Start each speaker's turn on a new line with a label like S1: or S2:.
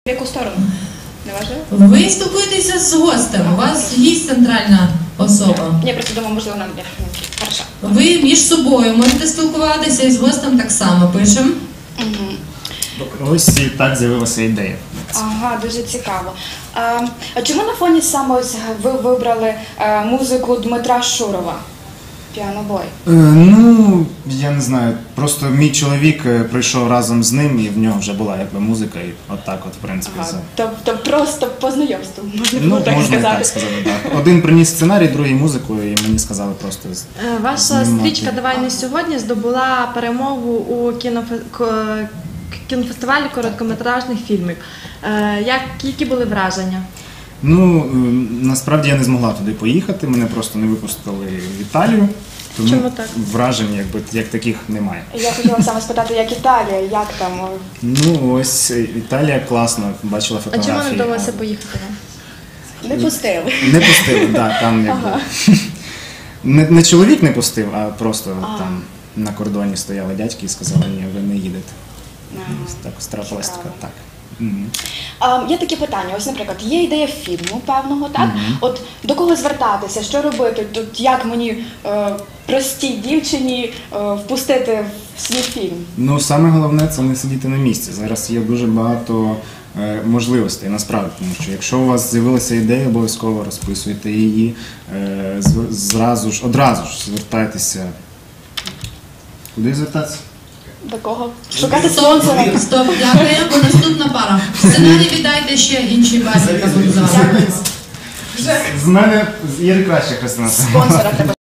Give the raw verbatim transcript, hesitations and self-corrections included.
S1: В яку сторону? Не важливо?
S2: Ви спілкуєтеся з гостем, у вас гість центральна особа.
S1: Я просто думаю, можливо, нам не хорошо.
S2: Ви між собою можете спілкуватися і з гостем так само пишемо.
S1: Угу.
S3: Ось і так з'явилася ідея.
S1: Ага, дуже цікаво. А, а чому на фоні саме ось ви вибрали а, музику Дмитра Шурова? Піанобой.
S3: Е, ну, я не знаю, просто мій чоловік е, прийшов разом з ним, і в нього вже була якби музика, і отак от, в принципі,
S1: Ага,
S3: за...
S1: тобто просто по знайомству, можна
S3: Ну,
S1: було так
S3: можна і
S1: сказати.
S3: так сказати, так. Один приніс сценарій, другий музику, і мені сказали просто... з-
S4: Е, Ваша
S3: знімати.
S4: стрічка «Давай не сьогодні» здобула перемогу у кінофе- ко- кінофестивалі короткометражних фільмів. Е, як, які були враження?
S3: Ну, е, насправді я не змогла туди поїхати, мене просто не випустили в Італію, тому
S4: Чому так?
S3: вражень якби, як таких немає.
S1: Я хотіла саме спитати, як Італія, як там?
S3: Ну, ось е, Італія класна, бачила
S4: А
S3: фотографії.
S4: чому не вдалося
S3: гарно.
S4: поїхати вам?
S1: Не пустили.
S3: Не пустили, так, да, там якби.
S1: Ага.
S3: Не, не чоловік не пустив, а просто
S1: А.
S3: там на кордоні стояли дядьки і сказали, ні, ви не їдете.
S1: Ага.
S3: Ось так страпилась така,
S1: Цікаво.
S3: так. Мгм.
S1: А, є таке питання, ось, наприклад, є ідея фільму певного, так? От до кого звертатися, що робити? Тут як мені е, простій дівчині е, впустити в свій фільм?
S3: Ну, саме головне це не сидіти на місці. Зараз є дуже багато е, можливостей, насправді, тому що якщо у вас з'явилася ідея, обов'язково розписуйте її, е, з- зразу ж, одразу ж звертайтеся. Куди звертатися?
S1: До кого? Шукати
S2: Стоп,
S1: спонсора.
S2: стоп, дякуємо. Наступна пара. Сценарій віддайте ще іншій парі, яка буде зараз.
S3: З мене є краще Христина.
S1: Спонсора треба